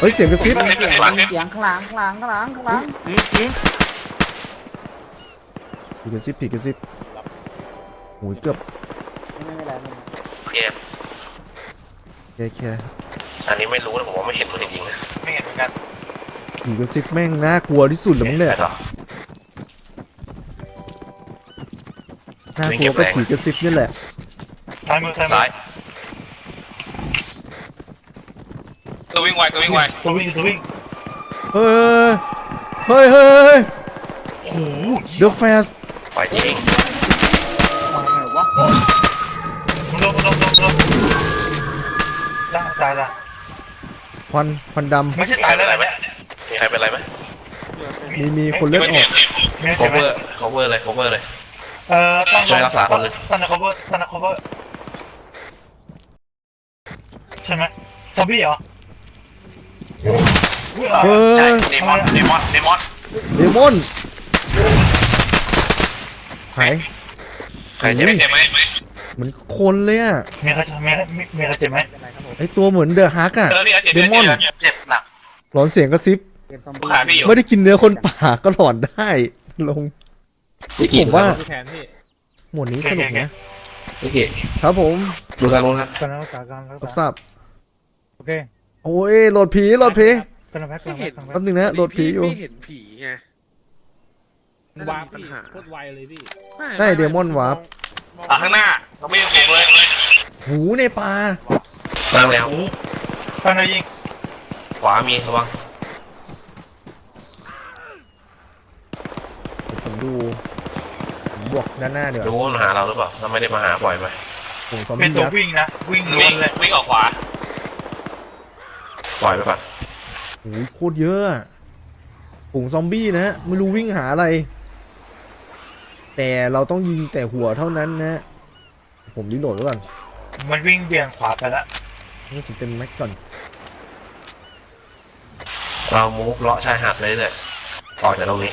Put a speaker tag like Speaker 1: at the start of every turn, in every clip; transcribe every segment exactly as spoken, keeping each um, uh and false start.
Speaker 1: ฮ้ยเสียงกระซิบ
Speaker 2: เสียงเสียงข้างหลังข้างหลังข้างหลังข้างหลัง
Speaker 1: ผีกระซิบผีกระซิบโอ้ยเกือบ
Speaker 2: ไม่ไม่เป็นไรไม่เป็นไร
Speaker 3: โอเค
Speaker 1: แค่แค่
Speaker 3: อันนี้ไม่รู้นะผมว่าไม่เห็นมันจริงๆนะไม่เห็นเหมือนกัน
Speaker 1: ผีกระซิบแม่งน่ากลัวที่สุดเลยมั้งเนี่ยน่ากลัวก็ผีกระซิบนี่แหละ
Speaker 4: ซ้ายมือซ้ายมือ
Speaker 3: ซ้ายตัววิ่งไวตัววิ่งไว
Speaker 4: ตัววิ่งตัววิ่ง
Speaker 1: เฮ้ยเฮ้ยเฮ้ย
Speaker 4: โอ้โห
Speaker 1: The Fast
Speaker 3: ไปจริง
Speaker 2: มาไงวะ
Speaker 4: มันลงมันลงลงลงตายตายละ
Speaker 1: ควันควันด
Speaker 4: ไม่ใช่ตายแล้วอะไรไหม
Speaker 3: มีใครเป็นไรไหม
Speaker 1: ำมีมีคนเลือดออก
Speaker 4: ไม่
Speaker 3: โค
Speaker 4: ใช่ไหม
Speaker 3: เวอร์โคเวอร์เลยโคเวอร์เลย
Speaker 4: เอ่อตั้ง
Speaker 3: ช่วยรักษาคนเลย
Speaker 4: ตั้งนะ cover ตั้งนะ cover ใช่ไหมซอมบี้เหรอ
Speaker 1: เฮ้
Speaker 3: ใช่
Speaker 1: ย
Speaker 3: เดมอนเดมอนเดมอน
Speaker 1: เดมอนหาย
Speaker 3: ใครเจ็บเจ็บไหม
Speaker 1: เหมือนคนเลยอ่ะ
Speaker 4: มีใครมีมีมีใครเจ็บไหม
Speaker 2: เป็นไรครับผม
Speaker 1: ไอตัวเหมือนเดอะฮักอ่ะ
Speaker 3: เออนี่เจ็บ
Speaker 1: เดมอน
Speaker 3: เจ็บหนัก
Speaker 1: หลอนเสียงกระซิบ
Speaker 2: เกมซอม
Speaker 3: ขาพี่
Speaker 2: บี้
Speaker 3: อยู่
Speaker 1: ไม่ได้กินเนื้อคนป่าก็หลอนได้ลงผมว่า
Speaker 2: แขนพี่
Speaker 1: หมวดนี้สนุกนะ
Speaker 3: โอเค
Speaker 1: ครับผม
Speaker 3: ดูทางนู้นครับ
Speaker 4: ตอนนั้นรักษาการรัก
Speaker 1: รับท
Speaker 4: ษา
Speaker 1: ราบ
Speaker 4: โอเค
Speaker 1: โอ้ยโหลดผีโหลดผี
Speaker 4: ตอนนั้นแพ็คตอนนั้นแพ็คตอนนั้น
Speaker 1: แป๊บนึงนะโหลดผีอยู่
Speaker 5: ไม่เห็นผีไง
Speaker 6: วาร์ปพี่โคตรไวเลยพี่
Speaker 1: ใช่เดมอนวาร์ป
Speaker 3: อ่ะข้างหน้าเราไม่ยังเก่งเลย
Speaker 1: หูในป่า
Speaker 3: ตั้งแล้ว
Speaker 4: ตอนนั้นยิง
Speaker 3: ขวามีระวัง
Speaker 1: ผมดูผมบวกด้านหน้าเดี๋ยว
Speaker 3: รู้ว่ามาหาเราหรือเปล่าเราไม่ได้มาหาบ่อยไหม
Speaker 1: ผมซอม
Speaker 4: เป็น
Speaker 1: บี้
Speaker 4: ตัว
Speaker 1: ยักษ์
Speaker 4: วิ่งนะวิ่งล้ว
Speaker 3: วิ่
Speaker 4: น
Speaker 3: ง
Speaker 4: เลย
Speaker 3: วิ่งออกขวาปล่อยไปก่อน
Speaker 1: โอ้ยโคตรเยอะอะฝูงซอมบี้นะฮะไม่รู้วิ่งหาอะไร แต่เราต้องยิงแต่หัวเท่านั้นนะ ผมรีโหลดไว้ก่อน
Speaker 4: มันวิ่งเบี่ยงขวาไปละ
Speaker 1: นี่สิเต็มแม็กก่อน
Speaker 3: เรามูฟเลาะชายหาดเลยเลยออกจากตรงนี้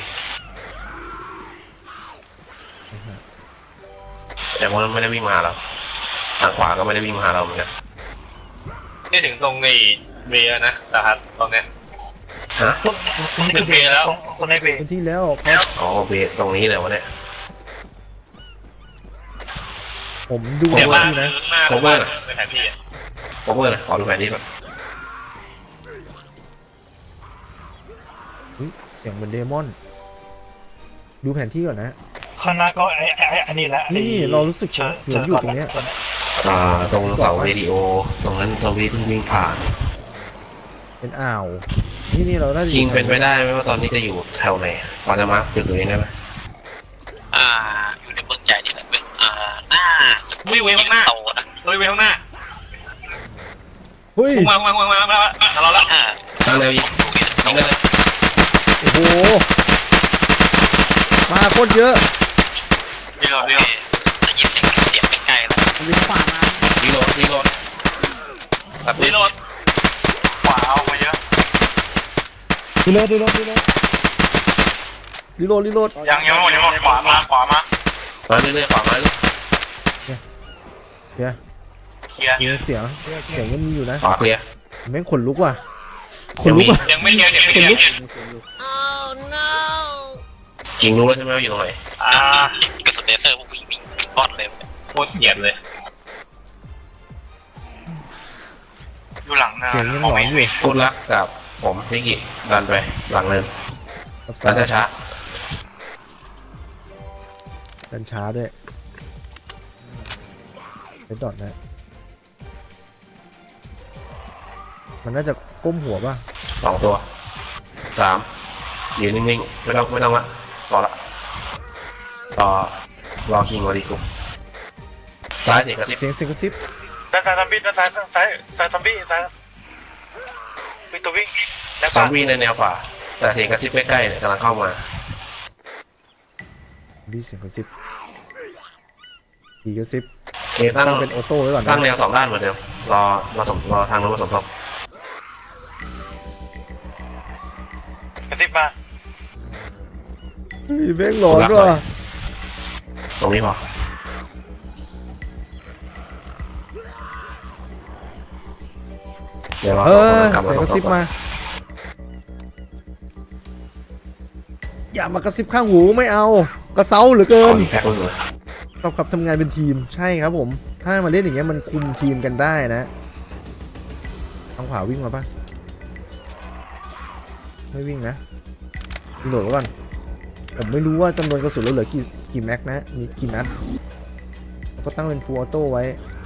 Speaker 3: แต่ว่ามันไม่ได้วิ่งมาหาเราทางขวาก็ไม่ได้วิ่งมาหาเราเหมือนกันนี่ถึงตรงในเบียนะนะครับตรงเนี้ยฮะ
Speaker 4: ต้นต้นคือเบรแล้วคนในเบร
Speaker 1: เป็นที่แล้วครับ
Speaker 3: อ๋อเบียตรงนี้เลยวะเนี่ย
Speaker 1: ผมดู
Speaker 3: เดี๋ยว
Speaker 1: ว่า
Speaker 3: บ้าน
Speaker 1: นี่นะ
Speaker 3: หน้าของบ้านในแผนที่โคเวอร์ขอดูแผนที่ก่อน
Speaker 1: เฮ้ยเสียงเหมือนเดมอน ดูแผนที่ก่อนนะ
Speaker 4: ข้างหน้าก็ไอ้ไอ้อันนี้แหละ
Speaker 1: นี่นี่เรารู้สึกเหมือนอยู่ตรงเนี้ย
Speaker 3: อ่าตรงเสาเรดิโอตรงนั้นซอมบี้เพิ่งวิ่งผ่าน
Speaker 1: เป็นอ่าว นี่นี่เราน่าจะอ
Speaker 3: จริง
Speaker 1: ยู่
Speaker 3: เป็นไปได้ไหมว่าตอนนี้จะอยู่แถวไหนพอจะมาร์คจุดตรงนี้ได้ไหม
Speaker 7: อ่าอยู่ในเมืองใหญ่นี่แหละเป็นอ่าหน้า
Speaker 3: วิ่งไปข้างหน้า
Speaker 7: โตนะ
Speaker 3: วิ่งไปข้างหน้า
Speaker 1: เฮ้ย
Speaker 3: มามามามามามาเราละ
Speaker 7: อ่า
Speaker 3: ตั้งเร็วยิงยิงกันเลย
Speaker 1: โอ้โห มาโคตรเยอะ
Speaker 3: รีโหล
Speaker 7: โอ
Speaker 3: ดรี
Speaker 7: เค
Speaker 3: โหลด
Speaker 7: ได้ยินเสียงเสียงใกล้ๆแล้ว
Speaker 2: วิ่งขวามา
Speaker 3: รีโหลดรีโหลดตัดรีโหลดขวาเอามาเยอะ
Speaker 1: รีโหลดรีโหลดรีโหลดรีโหลดรีโหลด
Speaker 3: ยังยังหมดยังหมดขวามาขวามามาเรื่อยๆขวามาเรื่อย
Speaker 1: เคลียร์
Speaker 3: เคลียร์
Speaker 1: มีเสียงเสียงยังมีอยู่นะ
Speaker 3: ขวาเคลียร์
Speaker 1: แม่งขนลุกว่ะขนลุกว่ะ
Speaker 3: ยังไม่เคลียร์ยังไม่เคลียร์จริงรู้แล้วใช่ไหมว่าอยู่ตรงไหนอ่าก
Speaker 7: ระสุนเลเซอร์พวกวิ่งวิ่งวิ่งบอดเลย
Speaker 3: โคตรเกลียดเลยอยู่หลังนะ
Speaker 1: เสียงยังหลอนอยู่
Speaker 3: พูดรักกับผมนิกิดันไปหลังเลย
Speaker 1: รับ
Speaker 3: ดัน
Speaker 1: สาย
Speaker 3: ช้า
Speaker 1: ดันช้าด้วยไปดอดนะ มันน่าจะก้มหัวป่ะ
Speaker 3: สองตัวสามยืนนิ่งๆไม่ต้องไม่ต้องละรอละรอรอคิงวอดีกุมซ้ายเด็กกระติบ
Speaker 1: เสียงเสียงกระซิบ
Speaker 4: ซ้ายซ้ายซอมบี้ซ้ายซ้ายซ้ายซ้ายซอมบี้ซ้ายวิ่งตัววิ่งแล้ว
Speaker 3: ซอมบี้ในแนวขวาแต่เสียงกระซิบใกล้ๆเนี่ยกำลังเข้ามา
Speaker 1: ดีเสียงกระซิบดีกระซิบ
Speaker 3: โอเคตั้ง
Speaker 1: ตั้งเป็นออโต้ไว้ก่อน
Speaker 3: ตั้
Speaker 1: นะ
Speaker 3: งแนวสองด้านเหมือนเดิมรอมาสมรอทางนู้นมาสมทบ
Speaker 4: กระติบมา
Speaker 1: เฮ้ยแม่งหลอนว่ะ
Speaker 3: ตรงนี้พอเดี๋ยวรอ
Speaker 1: เออ
Speaker 3: คนกลับ
Speaker 1: เสียงกระซิบมา
Speaker 3: ส
Speaker 1: อย่ามากระซิบข้างหูไม่เอากระเซ้าเหลือเกิ
Speaker 3: ขอน แพ็คมันเลย
Speaker 1: ต้องขับทำงานเป็นทีมใช่ครับผมถ้ามาเล่นอย่างเงี้ยมันคุมทีมกันได้นะทางขวาวิ่งมาปะไม่วิ่งนะรีโหลดไว้ก่อนผมไม่รู้ว่าจำนวนกระสุนเราเหลือกี่กี่แม็กนะมีกี่นัดก็ตั้งเป็นฟูลออโต้ไว้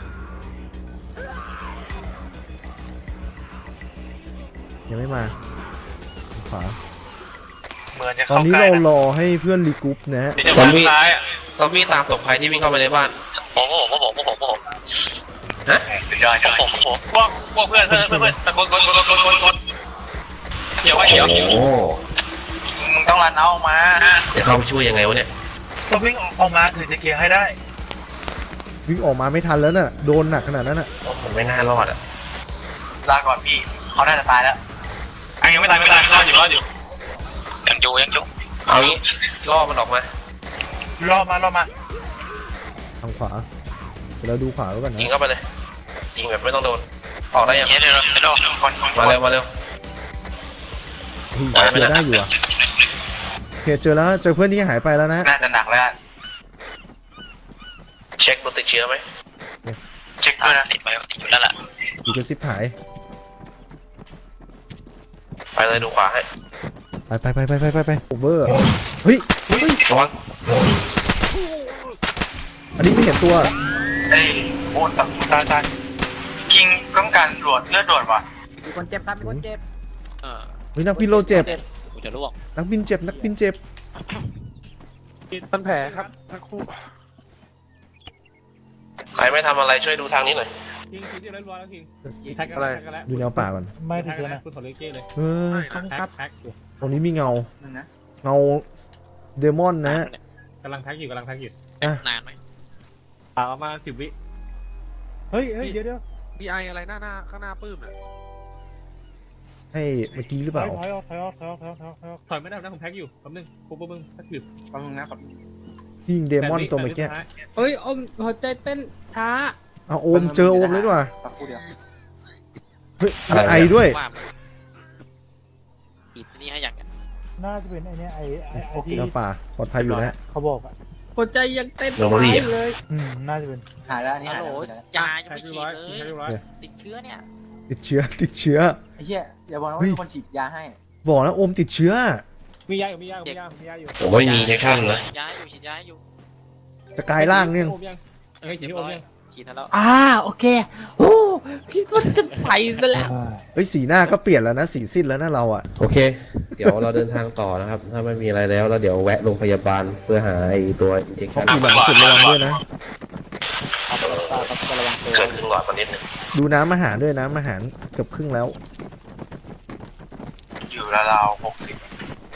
Speaker 1: ยังไม่มาขวา
Speaker 4: เหมือนจะ
Speaker 1: ตอน
Speaker 4: เข้า
Speaker 1: นี้
Speaker 4: ใกล้
Speaker 1: เรา
Speaker 4: นะ
Speaker 1: รอให้เพื่อนรีกรุ๊ปนะฮะ
Speaker 4: เดี๋ยวจะมาซ้ายอ่ะ
Speaker 3: ซอมบี้ตามตกภัยที่วิ่งเข้าไปในบ้าน
Speaker 7: ผมผมผมผมผมผม
Speaker 4: สุดยอด
Speaker 7: ผมผมผม
Speaker 4: พวกพวกเพื่อนเพื่อนเพื่อนเพื่อนตะโกนกดกดกดกดกดเดี๋ยวไว้
Speaker 3: โอ้
Speaker 4: เดี๋ยว
Speaker 3: โห
Speaker 4: มึงต้องรันเอาออกมา
Speaker 3: จะเข้าไปช่วยยังไงวะเนี่ย
Speaker 4: ต้องวิ่งออกมาถึงจะเคลียร์ให้ได้
Speaker 1: วิ่งออกมาไม่ทันแล้วน่ะโดนหนักขนาดนั้นน่ะ
Speaker 3: โอ้ผมไม่น่ารอดอ่ะ
Speaker 4: ลาก่อนพี่เขาน่าจะตายแล้วอันยังไม่ตายไม่ตายรอดอยู่รอดอยู่
Speaker 7: ยังอยู่ยังอยู่
Speaker 3: เอางี้ล่อมันออกมาร
Speaker 4: อดมารอดมา
Speaker 1: ทางขวาเดี๋ยวเราดูขวาไว้ก่อน
Speaker 3: ยิง
Speaker 1: นะ
Speaker 3: เข้าไปเลยยิงแบบไม่ต้องโดนออกได้ยัง
Speaker 7: เดี๋ยวเดี๋ยวเดี๋ยว
Speaker 4: คนคน
Speaker 3: มาเร็วมาเร็ว
Speaker 1: เฮ้ยเจอได้อยู่อ่ะโอเคเจอแล้วเจอเพื่อนที่หายไปแล้วนะ
Speaker 4: น่าจะหนักแล้ว
Speaker 3: เช็คมันติดเชื้อไหม
Speaker 4: เช็คด้วยนะ
Speaker 7: ติดไปติดอยู่แล้วล่ะ
Speaker 1: อีกระซิบหาย
Speaker 3: ไปเลยดูขวาให้
Speaker 1: ไปไปไปไปไปไปไปโอเวอร์เฮ้ย
Speaker 3: ระวัง
Speaker 1: อันนี้ไม่เห็นตัว
Speaker 4: เอ้ยโอ้ตายตายตายคิงต้องการตรวจเลือดด่วนว่ะ
Speaker 2: มีคนเจ็บครับมีคนเจ็บ
Speaker 7: เออ
Speaker 1: เฮ้ยนักบินโลเจ็บ
Speaker 7: กูจะล่วง
Speaker 1: นักบินเจ็บนักบินเจ็บ
Speaker 6: พันแผลครับทั้งคู่
Speaker 3: ใครไม่ทำอะไรช่วยดูทางนี้หน่อย
Speaker 6: คิงคิงที่เรียบร้อยแล้วคิงแท็กกันแล้วแท็กกันแล้ว
Speaker 1: ดูแนวป่าก่อน
Speaker 6: ไม่แท็กกันแล้วคุณถอดเลเก้เลย
Speaker 1: เออ
Speaker 6: แท็กแท็กอยู่
Speaker 1: ตรงนี้มีเงา
Speaker 2: นึงนะ
Speaker 1: เงาเดมอนนะ
Speaker 6: กำลังแท็กอยู่กำลังแท็กอยู่
Speaker 7: นานไหม
Speaker 6: อ่าประมาณสิบวิเฮ้ยเฮ้ยเดี๋ยวเดี๋ยว
Speaker 5: มีไออะไรหน้าหน้าข้างหน้าปื้มอ่ะ
Speaker 1: ให้เมื่อกี้หรือเปล่า
Speaker 6: ถอยออกถอยออกถอยออกถอยออกถอยออกถอยออกถอยไม่ได้นะผมแท็กอยู่แป๊บนึงปุ๊บปุ๊บมึงแท็กอยู่
Speaker 2: แป๊บนึงนะครับ
Speaker 1: ยิงเดมอนตัวเมื่อกี้
Speaker 5: เอ้ยอมหัวใจเต้นช้า
Speaker 1: เอาโอมเจอโอมเลยดีกว่า
Speaker 2: สักครู่เดียว
Speaker 1: เฮ้ยมีไอด้วย
Speaker 7: ว่าปิดนี่ให้อย่างเงี้ย
Speaker 6: น่าจะเป็นไอเนี้ยไอไอไอที่
Speaker 1: แนวป่าปลอดภัยอยู่แล้ว
Speaker 6: เขาบอกอ่ะ
Speaker 5: หัวใจยังเต้น
Speaker 3: โรบอรี่
Speaker 5: ช้า
Speaker 3: อะ
Speaker 5: อยู่เลย
Speaker 6: อืมน่าจะเป็น
Speaker 2: หายแล้วอันนี้
Speaker 7: ฮัล
Speaker 2: หาย
Speaker 7: โหล
Speaker 2: แล้ว
Speaker 7: ยายัง
Speaker 6: แท็ก
Speaker 7: ไม่
Speaker 6: เรีย
Speaker 7: ฉี
Speaker 6: บร้อย
Speaker 7: ดเล
Speaker 6: แท็ก
Speaker 7: ย
Speaker 6: เรียบร้อย
Speaker 7: ติดเชื้อเนี่ย
Speaker 1: ติดเชื้อติดเชื้อ
Speaker 2: ไอ้เหี้ยอย่าบอกนะ
Speaker 1: เฮ้
Speaker 2: ว่าย มีคนฉีดยาให้
Speaker 1: บอกนะโอมติดเชื้อ
Speaker 6: มียาอยู่มียาอยู่มียามียาอยู่
Speaker 3: ผมไม่มีในข้างนะ
Speaker 7: ฉีดยาอยู่ฉีดยาอยู่
Speaker 1: จะกลายร่างเนี่ย
Speaker 6: โอมยังเอ้ยฉีด
Speaker 7: เรีย
Speaker 6: ที่
Speaker 7: บ
Speaker 6: โอม
Speaker 7: ร้อย
Speaker 6: ยัง
Speaker 7: ฉีดแล้ว
Speaker 5: อ่าโอเคโอ้พี่ว่าจะไปซะแล้ว
Speaker 1: เฮ้ยสีหน้าก็เปลี่ยนแล้วนะสีสิ้นแล้วนะเราอ่ะ
Speaker 3: โอเค เดี๋ยวเราเดินทางต่อนะครับ ถ้าไม่มีอะไรแล้วเราเดี๋ยวแวะโรงพยาบาลเพื่อหาไอ้ตัว
Speaker 1: เขา
Speaker 3: injection
Speaker 1: ปีหลังสุดระวังด้วยนะ
Speaker 2: ครับครับระวังตัว
Speaker 3: เกินครึ่งหลอดมานิดนึง
Speaker 1: ดูน้ำอาหารด้วยน้ำอาหารเกือบครึ่งแล้ว
Speaker 4: อยู่ราวๆหกสิบ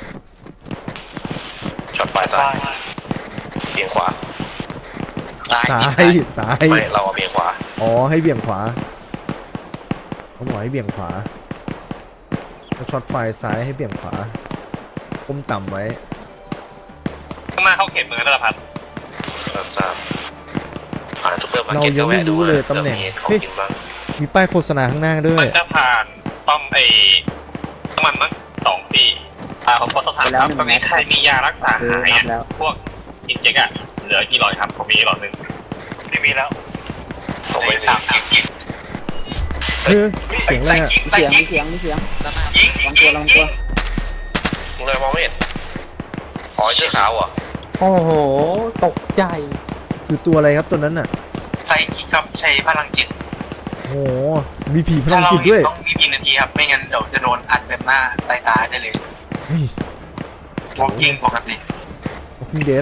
Speaker 3: ช็อตปลายซ้ายเบี่ยงขวา
Speaker 7: ตาย
Speaker 1: ซ้าย ซ้าย
Speaker 3: ไม่เราเอาเบี่ยงขวา
Speaker 1: อ๋อให้เบี่ยงขวาเขาบอกให้เบี่ยงขวาถ้าช็อตไฟซ้ายให้เบี่ยงขวาก้มต่ำไว้
Speaker 4: ข้างหน้าเข้าเขตเมืองนั่นแหละพัด
Speaker 3: ครับทราบผ่านซุปเปอร์มาร์
Speaker 1: เรา
Speaker 3: เก็ต
Speaker 1: ยังไม่รู้เลยตำแหน่ง
Speaker 3: ของ
Speaker 1: เฮ้ย
Speaker 3: กินบ้าง
Speaker 1: มีป้ายโฆษณาข้างหน้าด้ว
Speaker 4: มั
Speaker 1: ย
Speaker 4: นจะผ่านป้อมไอ้น้ำมันมั้งสองปีอ่าผมขอสอบถามครับตอนนี้ใครมียารักษา
Speaker 2: คือ
Speaker 4: หาย
Speaker 2: นั
Speaker 4: อ่ะ
Speaker 2: บแล้ว
Speaker 4: พวกอินเจกอะเหลือกี่หลอดครับผมมีหลอดหนึ่งไม่มีแล้ว
Speaker 3: ผมไม่มี
Speaker 4: สามยิง
Speaker 1: เฮ้ยเสียงอะไรอ่ะ
Speaker 2: มีเสียงมีเสียงมีเสียง
Speaker 7: ด้านหน้า
Speaker 4: ยิง
Speaker 2: ลองตัวลองตัว
Speaker 3: มึงเลยมองไม่เห็นอ๋อเชือกขาวเหรอ่ะ
Speaker 5: โอ้โหตกใจ
Speaker 1: คือตัวอะไรครับตัวนั้นน่ะ
Speaker 4: ใช้คิดครับใช้พลังจิต
Speaker 1: โอ้โหมีผีพลังจิตด้วย
Speaker 4: ต้องมีกี่นาทีครับไม่งั้นเดี๋ยวจะโดนอัดเต็มหน้าใต้ตาได้เลย
Speaker 1: เฮ้ย
Speaker 4: วอล์กกิ้งปกติ
Speaker 1: Walking Dead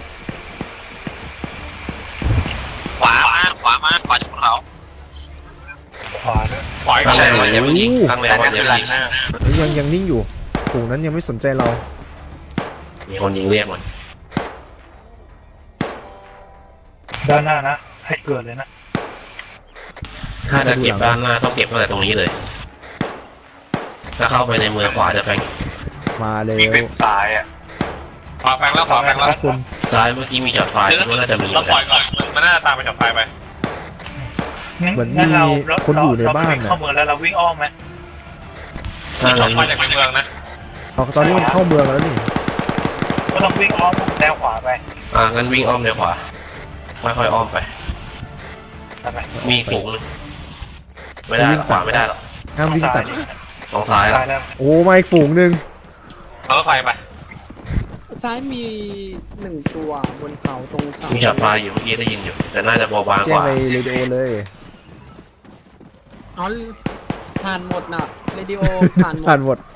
Speaker 7: ขวามาขวามาขวาจากภูเขา
Speaker 4: ขวาด้วยปล่อย
Speaker 3: ข้าง
Speaker 4: ใช่
Speaker 3: ใน
Speaker 4: ไหม
Speaker 3: มันยังไม่ยิงข้างใน
Speaker 4: แต่
Speaker 3: มั
Speaker 4: ก็
Speaker 3: น
Speaker 4: คื
Speaker 3: ยั
Speaker 4: อง รั
Speaker 3: ไม่
Speaker 4: น
Speaker 3: ยิง
Speaker 4: เนอร์
Speaker 1: เฮ้ยยังยังนิ่งอยู่ฝูงนั้นยังไม่สนใจเรา
Speaker 3: มีคนยิงเรียกมัน
Speaker 4: ด้านหน้านะให้เกิดเลยนะ
Speaker 3: ถ้าจะเก็บด้านหน้าต้องเก็บตั้งแต่ตรงนี้เลย ถ้าเข้าไปในเมืองขวาจะแฟง
Speaker 1: มาแล้
Speaker 4: มีเป็น
Speaker 1: ว
Speaker 4: สายอ่ะขวาแฟงแล้วขวาแฟงแล้ว
Speaker 1: คน
Speaker 3: ซ้ายเมื่อกี้มีจอดไฟคิดว่าน่าจะมี
Speaker 4: เราปล่อยก่อนมันน่าจะตามไปจับไฟไป
Speaker 1: เหมือนมีคนอยู่ในบ้าน
Speaker 4: น่ะ
Speaker 1: น่ะ
Speaker 4: เข้าเมืองแล้วเราวิ่งอ้อมไหม
Speaker 3: ถ้า
Speaker 4: จั
Speaker 3: งั้
Speaker 4: บ
Speaker 3: น
Speaker 4: ไฟจากในเมืองนะ
Speaker 1: เอาตอนนี้มันเข้าเมืองแล้วนี่
Speaker 4: ปก็ต้องวิ่งอ้อมแนวขวาไป
Speaker 3: อ่างั้นวิ่งอ้อมเดี๋ยวขวาไม่ค่อยอ้อมไปมีอีกฝูงหนึงไม่ได้หรอกขวาไม่ได้หรอก
Speaker 1: ห้ามวิ่งตัด
Speaker 3: ตรงซ้ายละ
Speaker 1: โอ้มาอีกฝูงหนึ่ง
Speaker 4: เอารถไฟไป
Speaker 5: ซ้ายมีหนึ่งตัวบนเขาตรงเสา
Speaker 3: มีช็อตไฟอยู่เมื่อกี้ได้ยินอยู่แต่น่าจะเบาบาง
Speaker 1: แจ้
Speaker 3: ก
Speaker 1: ง
Speaker 3: ว่า
Speaker 1: ในเรดิโอเลย
Speaker 5: อ๋อผ่านหมดน่ะเรดิโอผ่านหม
Speaker 1: ผ่า
Speaker 5: ด
Speaker 1: นหมด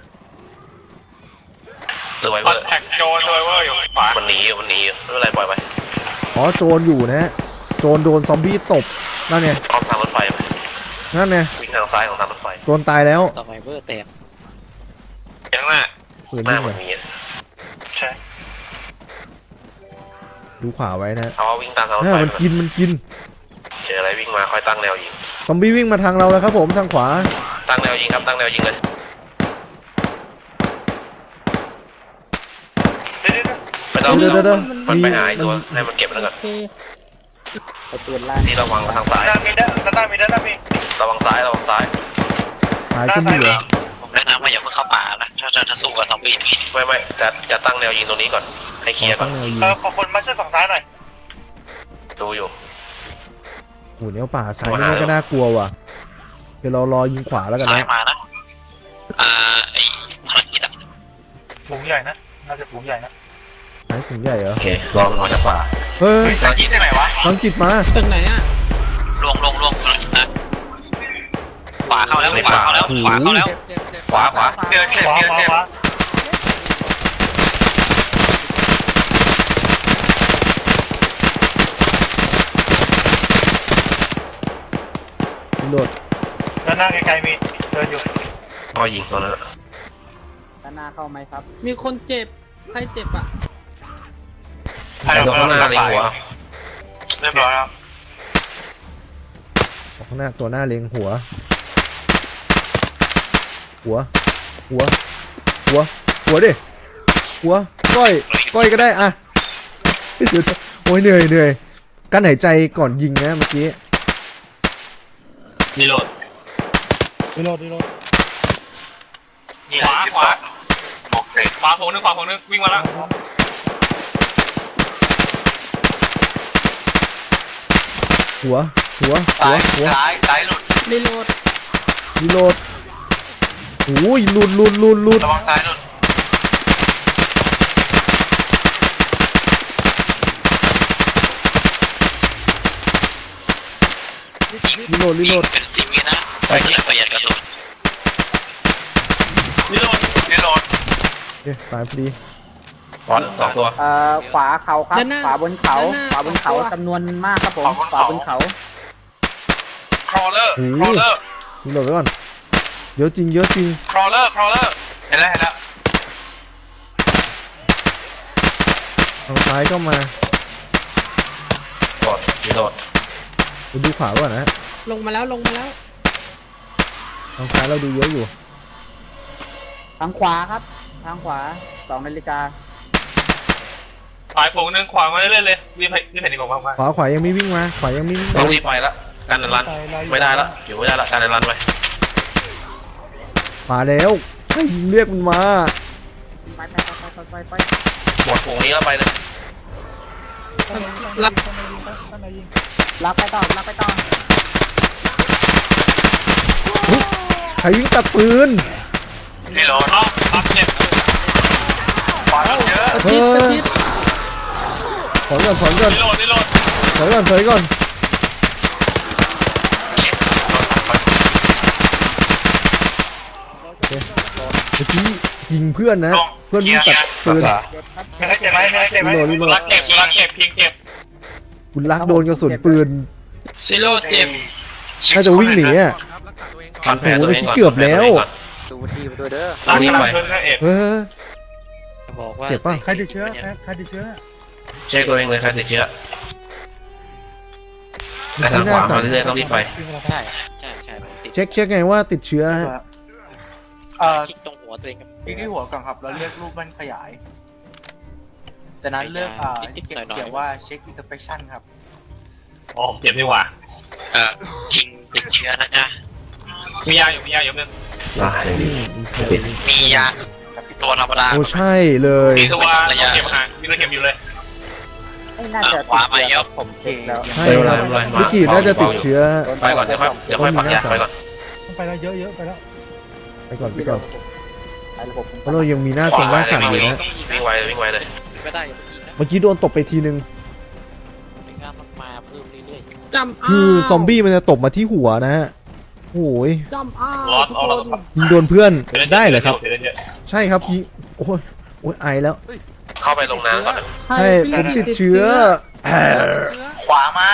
Speaker 3: ตัวไว
Speaker 4: ค
Speaker 3: เว
Speaker 4: อ
Speaker 3: อน ร์
Speaker 4: แทคโจนโดยเวอร์อยู่ขวา
Speaker 3: มันหนีอยู่มันหนีอยู่ไม่เป็นไรปล่อยไป
Speaker 1: อ๋อโจรอยู่นะฮะโจรโดนซอมบี้ตบนั่นไง
Speaker 3: อ้อมทางรถไฟไป
Speaker 1: นั่นไง
Speaker 3: วิ่งทางซ้ายของทางรถไฟ
Speaker 1: โจรตายแล้ว
Speaker 5: ต่อไปเบอร์แตก
Speaker 4: ข้างหน้า
Speaker 1: ปืน
Speaker 3: หน้า
Speaker 1: วิ่ง
Speaker 3: เหมื
Speaker 1: เล
Speaker 3: อน
Speaker 1: ย
Speaker 3: มีอะ
Speaker 4: ใช่
Speaker 1: ดูขวาไว้นะ
Speaker 3: เอาวิ่งตามทางรถ
Speaker 1: อ่า
Speaker 3: ไฟ
Speaker 1: มันกินมันกิน
Speaker 3: เจออะไรวิ่งมาค่อยตั้งแนวยิง
Speaker 1: ซอมบี้วิ่งมาทางเราแล้วครับผมทางขวา
Speaker 3: ตั้งแนวยิงครับตั้งแนวยิงเลยไม่ต้อง
Speaker 1: เดี๋ยวเดี๋ยวเดี๋ยว
Speaker 3: มันไปหา
Speaker 1: มี
Speaker 3: ไอ้ตัว
Speaker 1: มัน
Speaker 3: ให้มันเก็บแล้วก่อน
Speaker 5: โอเค
Speaker 2: ไปปืนล่าง
Speaker 3: ที่ระวังทางซ้าย
Speaker 4: ด้านมีด้านด้านมีด้านมี
Speaker 3: ระวังซ้ายระวังซ้าย
Speaker 1: หายก็มีเหรอ
Speaker 7: ผมแนะนำว่าอย่าเพิ่งเข้าป่านะถ้าถ้าถ้าสู้กับซอมบี้นี่
Speaker 3: ไม่ไม่จะจะตั้งแนวยิงตรงนี้ก่อนให้เคลียร์ก่อ
Speaker 1: ตั้
Speaker 3: น
Speaker 1: งแนวยิง
Speaker 4: เออขอคนมาช่วยฝั่งซ้ายหน่อย
Speaker 3: ดูอยู่
Speaker 1: โหแนวป่าซ้ายนี่มันก็น่ากลัวว่ะเดี๋ยวเรารอยิงขวาแล้วกัน
Speaker 7: ซ้าย
Speaker 1: นะ
Speaker 7: มานะอ่าไอภารกิจอะ
Speaker 4: ฝูงใหญ่นะน่าจะฝูงใหญ่นะ
Speaker 1: ซ้ายสูงใหญ่เหรอ
Speaker 3: โอเครอมันออกจากป่า
Speaker 1: เฮ้ย
Speaker 4: จะยิงที่ไหนวะ
Speaker 1: ลังจิตมา
Speaker 5: ตึกไหนอ่ะ
Speaker 7: ลวงลวงลวงภารกิจนะขวาเข้าแล้วขวาเข้าแล้วขวาเข้าแล้ว
Speaker 5: เจ็บเจ็บเจ็บ
Speaker 3: ขวาขวา
Speaker 4: เดือดเจ็บเดือดเจ็บ
Speaker 1: โดด
Speaker 4: ด้านหน้าไกลๆมีเดินอยู่
Speaker 3: ก็ยิงตัวนั้น
Speaker 2: ด้านหน้าเข้าไหมครับ
Speaker 5: มีคนเจ็บใครเจ็บอ่ะ
Speaker 3: ไอ้ตัวข้างหน้าเลยหัว
Speaker 4: เรียบร้อยแล้ว
Speaker 1: ออกข้างหน้าตัวหน้าเล็งหัว หัว หัว หัว หัวดิ หัว ก้อย ก้อยก็ได้อะเดี๋ยวโอ้ยเหนื่อยเหนื่อยกั้นหายใจก่อนยิงนะเมื่อกี้
Speaker 4: รีโหลด
Speaker 6: รีโหลดรีโหลด
Speaker 4: ขวาขวาโอเคขวาโผล่นึงขวาโผล่นึงวิ่งมาแล้ว
Speaker 1: หัว หัว หัว หัว
Speaker 4: ซ้ายซ้ายหลุด
Speaker 5: รีโหลด
Speaker 1: รีโหลดโอ้ยหลุดหลุดหลุดหลุด
Speaker 4: ระวังซ้ายหลุด
Speaker 1: รีโหลดรีโหลด
Speaker 7: เป็นสิบวินะไปเลยประหยัดกระสุน
Speaker 4: รีโหลดรีโหลด
Speaker 1: เอ๊ะตายพอดี
Speaker 3: บอลสองตัว
Speaker 2: เอ่อขวาเขาครับ ขวาบนเขา ขวาบนเขาจำนวนมากครับผม ขวาบนเขา
Speaker 4: ครอเลอร์
Speaker 1: โอ้
Speaker 4: ครอเลอร์
Speaker 1: รีโหลดไว้ก่อนเยอะจริงเยอะจริง
Speaker 4: ครอเลอร์ครอเลอร์เห็นแล้วเห็นแล้ว
Speaker 1: ทางซ้ายก็มา
Speaker 3: กดรีโหลด
Speaker 1: ไปดูขวาก่อนนะ
Speaker 5: ลงมาแล้วลงมาแล้ว
Speaker 1: ทางซ้ายเราดูเยอะอยู่
Speaker 2: ทางขวาครับ ทางขวาสองนาฬิกา
Speaker 4: ขวาโผล่นึงขวามาเรื่อยๆเลยวิ่งไปวิ่งไปดีกว่าบ้าง
Speaker 1: ขวาขวายังไม่วิ่งมา ขวายังไม่วิ่ง
Speaker 3: ต้
Speaker 1: มา
Speaker 3: องรีบไปละการรันไม่ได้ละอยู่ไม่ได้ละการรันไป
Speaker 1: มาแล้วให้ยิงเรียกมันมา
Speaker 2: ไปไปไปไปไปไป
Speaker 3: หมดฝูงนี้แล้วไปเลย
Speaker 5: รับ
Speaker 2: ลากไปต่อลากไปต่อ
Speaker 1: ใครวิ่งตัดปืน
Speaker 4: รีโหลดเนาะรับเจ็บขวาเยอะ
Speaker 5: ประชิดประชิด
Speaker 1: ถอยก่อนถอยก่อน
Speaker 4: รีโหลดรีโหลด
Speaker 1: ถอยก่อนถอยก่อนเมื่อกี้ยิงเพื่อนนะ เพื่อนวิ่งตัดปืน
Speaker 4: ไม่ได้เจ็บไหมไม่ได้เจ็บไหม
Speaker 1: รีโหลดรีโหลด
Speaker 4: รักเจ็บรักเจ็บพิงเจ็บ
Speaker 1: คุณรักโดนกระสุนปืน
Speaker 5: ซีโร่เจ็บ
Speaker 1: น่าจะวิ่งหนีอ่ะ
Speaker 3: พันแผลตัวเองก่อน
Speaker 1: เกือบแล้ว
Speaker 5: ดูทีมด้วยเด้อ
Speaker 3: ตอนนี้ไป
Speaker 4: เพิ่งนะเอก
Speaker 1: เออ
Speaker 5: บอกว่า
Speaker 1: เจ็บป่ะ
Speaker 6: ใครติดเชื้อใครใครติดเชื้อ
Speaker 3: เช็คตัวเองเลยใครติดเชื้อแต่ทางขวามาเรื่อยๆต้องรีบไป
Speaker 5: ใช่ใช่ใช่ผมติด
Speaker 1: เช็คเช็คไงว่าติดเชื้อฮะ
Speaker 2: เอ่อ
Speaker 5: คลิกตรงหัวตัวเองครับ
Speaker 8: คลิกที่หัวก่อนครับแล้วเลือกรูปมันขยาย จากนั้นเลือกอ่า
Speaker 5: นิดๆ
Speaker 8: เขีย
Speaker 5: หน่อยๆ
Speaker 8: เขียนว่าเช็คอินเตอร์เฟชั่นครับ
Speaker 4: อ๋อเจ็บดีกว่า
Speaker 7: เออชิงติดเชื้อนะจ๊ะ
Speaker 4: มียาอยู่มียาอยู่นึง
Speaker 3: อ่ะอย่างนี้ติด
Speaker 7: มียา
Speaker 8: กับพี่
Speaker 7: ตตัวธรรมดา
Speaker 1: โอ้ใช่เลย
Speaker 4: มีตัวเก็บห่างมีตัวเก็บอยู่เลย
Speaker 2: ไม่น่าจะติดเชื้อครับผมเช็คแล้ว
Speaker 1: ใช่ครับลิกิน่าจะติดเชื้อ
Speaker 3: ไปก่อนเดี๋ยวค่อยเดี๋ยวค่อยปักยาไปก่อน
Speaker 6: ไปแล้วเยอะเยอะไปแล้ว
Speaker 1: ไปก่อนไปก่อน
Speaker 2: ไอ้ระบบ
Speaker 1: เพราะเรายังมีหน้าทรงหน้าสั่นอยู่นะ
Speaker 3: วิ่งไวเลยวิ่งไวเลย
Speaker 7: ไม่ได้อย่าไปยิงนะ
Speaker 1: เมื่อกี้โดนตบไปทีนึง
Speaker 7: เป็นงานมันมาเพิ่มเรื่อย
Speaker 5: จำ
Speaker 1: คือซอมบี้มันจะตบมาที่หัวนะฮะโอ้ย
Speaker 5: จำอ้า
Speaker 4: ร้อน
Speaker 5: ทุก
Speaker 4: เอา
Speaker 5: ค
Speaker 4: เรา
Speaker 5: น
Speaker 1: ยิงโดนเพื่อนได้เหรอครับ
Speaker 4: เดี๋ยวเดี๋ยว
Speaker 1: ใช่ครับยิงโอ้ยโอ้ยไอแล้ว
Speaker 3: เข้าไปลงน้ำก่อนนะ
Speaker 1: ใช่ผมติดเชื้อแหม
Speaker 8: ขวามา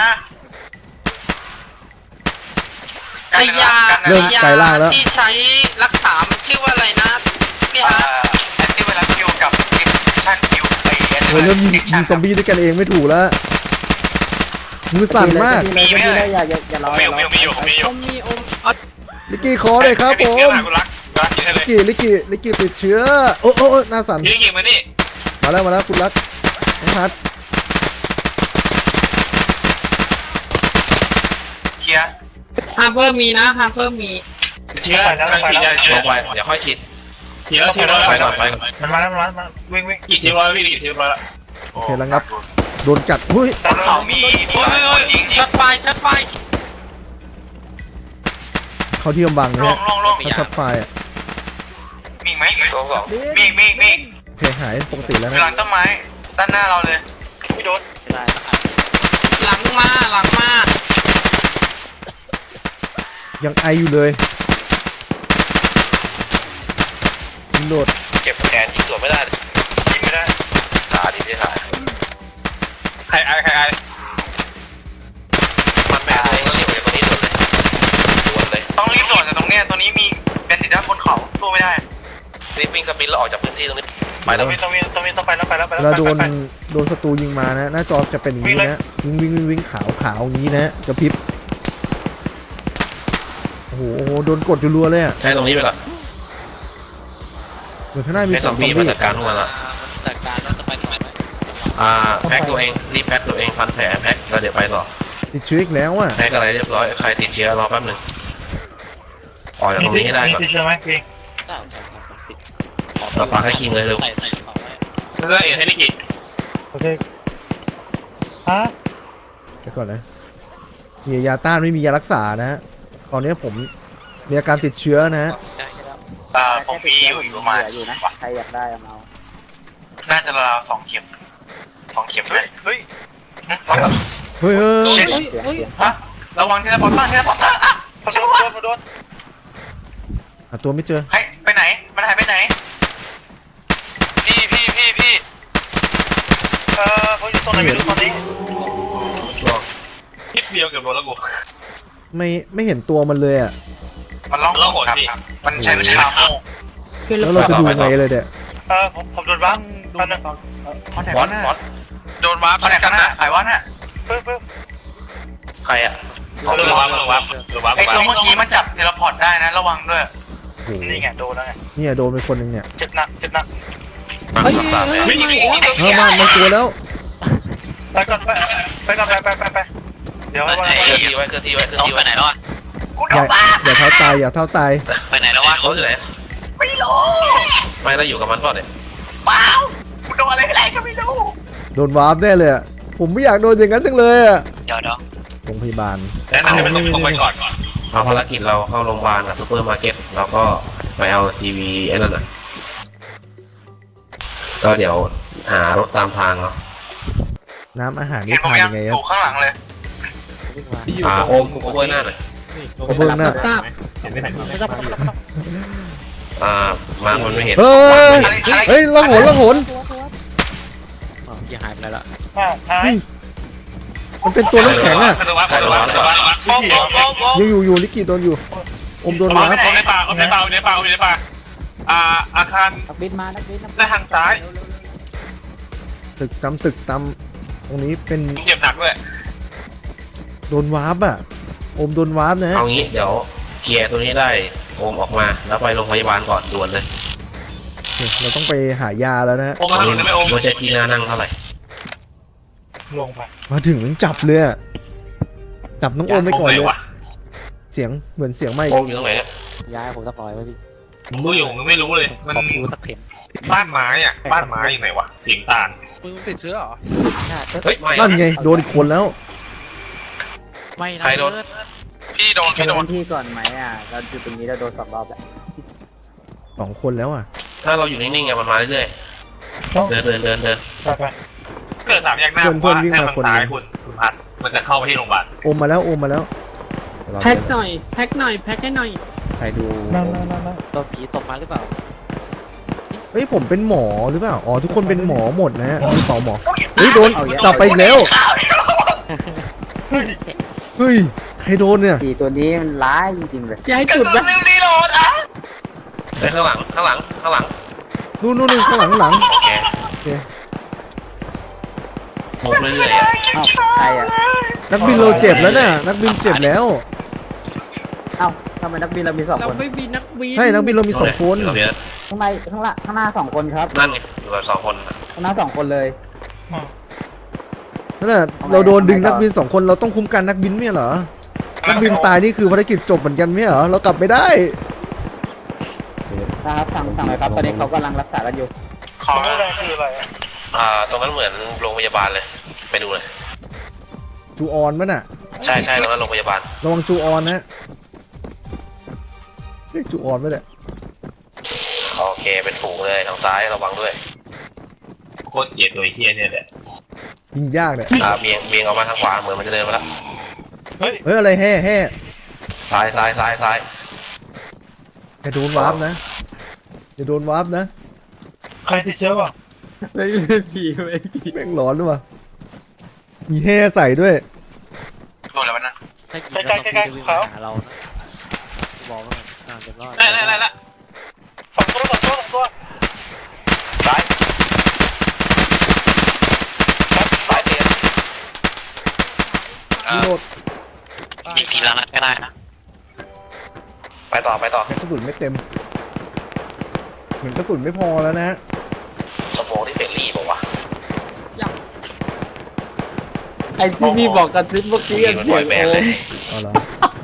Speaker 7: ไอ้ยา
Speaker 1: เริ่มไกลล่างแล้ว
Speaker 7: ที่ใช้รักษามันชื่อว่าอะไรนะพี่
Speaker 8: อ่า
Speaker 7: ฮะ
Speaker 8: แอนตี้ไวรัสคิวกับเอ็กชั่นคิวไอเอส
Speaker 1: โอ้ยเริ่มยิงยิงซอมบี้ด้วยกันเองไม่ถูกแล้วมือสั่นมาก
Speaker 2: มีไหมอย่าอย่าอย่ารอ
Speaker 4: มีอยู่มีอยู่มีอยู่มีอยู่
Speaker 5: อมมีอม
Speaker 1: ลิกกี้ขอเลยครับผม
Speaker 4: กูรักรักกินให้เล
Speaker 1: ลิ
Speaker 4: ย
Speaker 1: กกี้ลิกกี้ลิกกี้ติดเชื้อโอ้โอ้โอ้หน้าสั่น
Speaker 4: ยิงยิงมานี่
Speaker 1: มาแล้วมาแล้วคุณรักน้องพัด
Speaker 8: เคลียร์
Speaker 5: ฮาร์เปอร์มีนะฮาร์เปอร์มี
Speaker 4: เชื้อการฉีดยาเชื้
Speaker 3: ล
Speaker 4: อง
Speaker 3: ไปเดี๋ยวค่อยฉีด
Speaker 4: เชื้อเชื้อร้อย
Speaker 3: ไปก่อนไปก่อน
Speaker 8: มันมาแล้วมันมาแล้ววิ่งวิ่ง
Speaker 4: กี่เชื้อร้อยวิ่งกี่เชื้อร้อยละ
Speaker 1: โอเคแล้วครับโดนกัดเฮ้ย
Speaker 8: บนเขามี
Speaker 7: โอ้ยโอ้ยชัดไฟชัดไฟ
Speaker 1: เขาที่กำบังนะ
Speaker 8: ล
Speaker 1: ฮะ
Speaker 8: งลงลง
Speaker 1: เขาช็อตไฟอ่ะ
Speaker 8: มีไหม
Speaker 3: ตัวสอง
Speaker 8: มีมีมี
Speaker 1: โอเคหายปกติแล้ว
Speaker 8: อยู่หลั
Speaker 1: นะ
Speaker 8: งต้นไม้ด้านหน้าเราเลยพี่โดน
Speaker 7: หลังมาหลังมา
Speaker 1: ยังไออยู่เลยยิงโดด
Speaker 3: เก็บแขนยิงสวนไม่ได้
Speaker 8: ยิงไม่ได้
Speaker 3: ขาดีที่ขา
Speaker 4: ใครไอใครไอ
Speaker 3: มันแม่เองก็รีบไปตรงนี้ด่วนเลยด่วนเลย
Speaker 8: ต้องรีบโดดแต่ตรงเนี้ยตรงนี้มีเป็นติดด้านบนเขาสู้ไม่ได้
Speaker 3: รีบวิ่งสปินแล้วออกจากพื้นที่ตรงนี้ไปแล้ว
Speaker 8: ตรงนี้ตรงนี้ตรงนี้ต้องไปแล้วไปแล้วไป
Speaker 1: เว
Speaker 8: แล้ว
Speaker 1: ลาโดน
Speaker 8: ไปไป
Speaker 1: โดนศัตรูยิงมานะหน้าจอจะเป็นอย่างนี้นะวิ่งวิ่งวิ่งวิ่งขาวขาวอย่างนี้นะกระพริบโอ้โหโอ้โหโดนกดรัวๆเลยอ่ะ
Speaker 3: ใช้ตรงนี้ไปก่อน
Speaker 1: เหมือนข้างหน้ามี
Speaker 3: ให้
Speaker 1: ส
Speaker 3: ซ
Speaker 1: อ
Speaker 3: อง ม
Speaker 1: ซอม
Speaker 3: บี้
Speaker 1: บี้
Speaker 3: มาจัดการพวกมันละ
Speaker 7: จัดการแล้วจะไปตรงไหนไหม
Speaker 3: อ่าแพ็คตัวเองรีบแพ็คตัวเองพันแผลแพ็คแล้วเดี๋ยวไปต่อ
Speaker 1: ติดเชื้ออีกแล้วอ่ะ
Speaker 3: แพ็คอะไรเรียบร้อยใครติดเชื้อรอแป๊บหนึงออกจากตรงนี้ให้ได้ก่อน
Speaker 8: ติดเชื้อไหมพี่
Speaker 7: ได้ใช่ครับติด
Speaker 3: ต่อปากให้คิงเลยเร็ว
Speaker 7: ใส่ใส่กระเป๋าไว้
Speaker 4: เรื่องเอ็นให้ได้กี่
Speaker 6: โอเคฮะ
Speaker 1: เดี๋ยวก่อนนะมียาต้านไม่มียารักษานะฮะตอนนี้ผมมีอาการติดเชื้อนะฮะ
Speaker 7: ได้แค่แล้ว
Speaker 8: อ่าผมมีอยู่อยู่ประมาณ
Speaker 2: อยู่นะใครอยากได้เอามา
Speaker 8: น่าจะราวๆสองเข็มสองเข็มเลยเฮ้ย
Speaker 1: เฮ้ยเฮ้ย
Speaker 2: เสียงเสียง
Speaker 8: ฮะระวังเทเลพอร์ตเตอร์เทเลพอร์ตเตอร์อ่ะมาโดนมาโดนมาโดน
Speaker 1: หาตัวไม่เจอ
Speaker 8: ให้ไปไหนมันหายไปไหน
Speaker 7: พี่พี่พี่พี่
Speaker 8: เออเขาอยู่ตรงไหนไม่รู้ตอนนี้
Speaker 4: คิดเดียวเกือบโดนแล้วกู
Speaker 1: ไม่ไม่เห็นตัวมันเลยอ่ะ
Speaker 8: มันร้อง
Speaker 4: ร้องโหด
Speaker 8: ครับ
Speaker 4: พี่
Speaker 8: มันใช้วิชาโม่
Speaker 1: แล้วเราจะดูไงเลยเนี่ย
Speaker 8: เออผมผมโดนบ้างตอนนึงคอนแทค
Speaker 3: บอส
Speaker 8: หน้า
Speaker 3: บอส
Speaker 7: โดนวาร์ป
Speaker 8: คอนแทค
Speaker 7: กัน
Speaker 8: หน้า
Speaker 7: นะ
Speaker 8: สายวัดน่ะปึ๊บปึ๊บ
Speaker 3: ใครอ่ะ
Speaker 4: ลงวับลงวับลงวับ
Speaker 8: ไอ้ตัวเมื่อกี้มันจับเทเลพอร์ตได้นะระวังด้วย
Speaker 1: โอ้โห
Speaker 8: นี่ไงโดนแล้วไง
Speaker 1: เนี่ยโดนไปคนหนึ่งเนี่ย
Speaker 8: เจ็บหนักเจ็บหนัก
Speaker 3: มา
Speaker 5: เฮ้ย
Speaker 3: สามแผล
Speaker 5: เฮ้ยไม่โอ้
Speaker 1: เออมามันตัวแล้ว
Speaker 8: ไปก่อนไปไปก่อนไปไปไปไปเดี๋ยว
Speaker 3: เค
Speaker 8: วัน
Speaker 3: ลื่อนที่ไว้เคลื่อนที่ไว้เคลื่อน
Speaker 7: น้อง
Speaker 3: ที่
Speaker 7: ไป
Speaker 3: ไว้
Speaker 7: ไหนแล้วอ่ะ
Speaker 8: กูโด
Speaker 1: อย่าน
Speaker 8: บ้า
Speaker 1: อย่าเท้าตายอย่าเท้าตาย
Speaker 7: ไปไหนแล้ววะ
Speaker 3: เขาอยู่ไหน
Speaker 8: ไม่รู้
Speaker 3: ไม่แล้วอยู่กับมันเปล่าเนี่ย
Speaker 8: เปล่ากูโดนอะไรอะไรก็ไม่รู้
Speaker 1: โดนวาร์ปแน่เลยอะผมไม่อยากโดนอย่างนั้นจังเลยอ่ะ
Speaker 7: เดี๋ยวเดี๋ยว
Speaker 1: โรงพยาบาล
Speaker 4: แนะนำให้มันลงไปก่อนก่อน
Speaker 3: เอาภารกิจเราเข้าโรงพยาบาลกับซูเปอร์มาร์เก็ตแล้วก็ไปเอาทีวีไอ้นั่นน่ะก็เดี๋ยวหารถตามทางเนาะ
Speaker 1: น้ำอาหาร
Speaker 8: เห็
Speaker 1: นี่
Speaker 8: นผม
Speaker 1: ทาน
Speaker 8: ยั
Speaker 1: ยัง งไงค
Speaker 8: อ
Speaker 1: รับ
Speaker 8: ยู่ข้างหลังเลย
Speaker 3: อ่าโอมโอเวอร์หน้าหน่อย
Speaker 1: ขอบคุณนะ
Speaker 6: เห็นไม่เห็น
Speaker 3: อ่ามามันไม่เห็น
Speaker 1: เฮ้ยเฮ้ยละโหนละโหน
Speaker 7: อ๋อพี่หายไปแล้ว
Speaker 8: อ้าวหาย
Speaker 1: นี่มันเป็นตัวน้ำแข็งอ่ะ
Speaker 4: ลงวับลงวับลงวับ
Speaker 7: โอ้โหโอ้โห
Speaker 1: ยังอยู่อยู่ลิกิโดนอยู่อมโดน
Speaker 4: เอา
Speaker 1: วาร์
Speaker 4: ใน
Speaker 1: ป
Speaker 4: ป่าเอาในป่าเอาในป่าเอาในป่าอ่าอาคาร
Speaker 2: นักบินมานักบินนักบิน
Speaker 4: ด้านทางซ้าย
Speaker 1: ตึกตำตึกตำตรงนี้เป็น
Speaker 4: เจ็บหนักด้วย
Speaker 1: โดนวาร์ปอ่ะอมโดนวาร์ปนะ
Speaker 3: เอางี้เดี๋ยวเคลียร์ตัวนี้ได้โอมออกมาแล้วไปโรงพยาบาลก่อนด่วนเลย
Speaker 1: เราต้องไปหายาแล้วนะฮะ
Speaker 4: โอมมาทางนู้นได้ไหมโอม
Speaker 3: ไม่ใช่ที่น่านั่งเท่าไหร่
Speaker 6: ลงไป
Speaker 1: มาถึงมันจับเลยอะจับน้องโอมไปก่อนเลย
Speaker 4: ว่ะ
Speaker 1: เสียงเหมือนเสียงไม่
Speaker 3: โอมอยู่ตรงไหนเนี่ย
Speaker 2: ย้ายผมสปอยไว้พี่
Speaker 4: มึงรู้อยู่มึงไม่รู้เลยมัน
Speaker 2: ผมดูสักเข็ม
Speaker 4: บ้านไม้อ่ะบ้านไม้อยู่ไหนวะสีน้ำตาล
Speaker 6: มึงติดเชื้อเหรอ
Speaker 3: เฮ้ยไม่
Speaker 1: นั่นไงโดนอีกคนแล้ว
Speaker 5: ไม่นะ
Speaker 3: ใครโดน
Speaker 4: พี่โดน
Speaker 2: ใช้
Speaker 4: พี่โดน
Speaker 2: พื้นที่ก่อนไหมอ่ะเราอยู่ตรงนี้เราโดนสองรอบแล้ว
Speaker 1: สองคนแล้วอ่ะ
Speaker 3: ถ้าเราอยู่นิ่งๆไงมันมาเรื่อยๆเดินเดินเดินเดิน
Speaker 4: เกิดสามแยกหน้า
Speaker 1: เพื่อนเพื่อนวิ่งมา
Speaker 4: ถ้
Speaker 1: คน
Speaker 4: ตาย
Speaker 1: หนึ่ง
Speaker 4: คุณคุณพัดมันจะเข้าไปที่โรงพยาบาล
Speaker 1: โอมมาแล้วโอมมาแล้ว
Speaker 5: แพ็คหน่อยแพ็คหน่อยแพ็คให้หน่อย
Speaker 1: ใครดู
Speaker 5: ตัวผีตกมาหรือเปล่า
Speaker 1: เฮ้ยผมเป็นหมอหรือเปล่าอ๋อทุกคนเป็นหมอหมดนะฮะมีสองหมอเฮ้ยโดนจับไปอีกแล้วเฮ้ยใครโดนเนี่ย
Speaker 2: สี่ตัวนี้มันร้ายจริงๆเลย
Speaker 5: ย้ายจุดนะ
Speaker 3: เฮ้ยข้างหลังข้างหลังข้างหลัง
Speaker 1: นู่นนู่นนู่นข้างหลังข้างหลัง
Speaker 3: โอเค
Speaker 1: โอเค
Speaker 3: โมกเรื่อยๆอะ
Speaker 2: เอ้าใครอ่ะ
Speaker 1: นักบินเราเจ็บแล้วน่ะนักบินเจ็บแล้ว
Speaker 2: เอ้าทำไมนักบินเรามีสอง
Speaker 5: เรา
Speaker 2: คน
Speaker 5: ไม่มีนักบิน
Speaker 1: ใช่นักบินเรามีสองคน
Speaker 3: เดี๋ยวเดี๋ยว
Speaker 2: ข้างในข้างหลังข้างหน้าสองคนครับ
Speaker 3: นั่นไงอยู่กับสองคน
Speaker 2: ข้างหน้าสองคนเลย
Speaker 1: นั่นแหละเราโดนดึงนักบินสองคนเราต้องคุ้มกันนักบินไม่เหรอนักบินตายนี่คือภารกิจจบเหมือนกันไม่เหรอเรากลับไม่ได้
Speaker 2: นะครับสั่งสั่งเลยครับตอนนี้เขากำลังรักษากันอยู่
Speaker 4: ของอะไรคืออะไร
Speaker 3: อ่าตรงนั้นเหมือนโรงพยาบาลเลยไปดูเลย
Speaker 1: จูออนมั้ยน่ะ
Speaker 3: ใช่ใช่ตรงนั้นโรงพยาบาล
Speaker 1: ระวังจูออนนะเรียกจูออนไหมเนี่ย
Speaker 3: โอเคเป็นฝูงเลยทางซ้ายระวังด้วย
Speaker 4: โคตรเกลียดตัวไอ้เฮียเนี่ยแหละ
Speaker 1: ยิงยากเนี่ย
Speaker 3: อ่าเบียงเบียงออกมาทางขวาเหมือนมันจะเดินมาแล้ว
Speaker 1: เฮ้ยอะไรแห่แห่
Speaker 3: ซ้ายซ้ายซ้ายซ้าย
Speaker 1: อย่าโดนวาร์ปนะอย่าโดนวาร์ปนะ
Speaker 6: ใครติดเชื้อวะ
Speaker 5: ไม่ไม่ผีไม่ผี
Speaker 1: แม่งร้อนด้วยวะมีแห่ใส่ด้วย
Speaker 4: โดนแล้วมันนะ
Speaker 5: ถ้ายิงแล้วต้องจะวิ่งมาหาเรานะบอกว่าน่าจะรอด
Speaker 4: ได้ได้ได้ละสองตัวสองตัวสองตัวซ้ายซ้ายเตียน
Speaker 1: รีโหลด
Speaker 7: อีกทีละนัดก็ได้นะ
Speaker 3: ไปต่อไปต่อก
Speaker 1: ระสุนไม่เต็มเหมือนกระสุนไม่พอแล้วนะฮะ
Speaker 3: สโมองที่เฟรลี่บอกว่า
Speaker 5: ไอ้ที่พี่บอกกันซิเมื่อกี้
Speaker 3: ยิงมัน
Speaker 5: เสี
Speaker 3: ปล่
Speaker 5: ย
Speaker 3: อย
Speaker 5: ง
Speaker 3: แบน
Speaker 5: โอ
Speaker 3: เลย
Speaker 5: ม
Speaker 1: เอาละ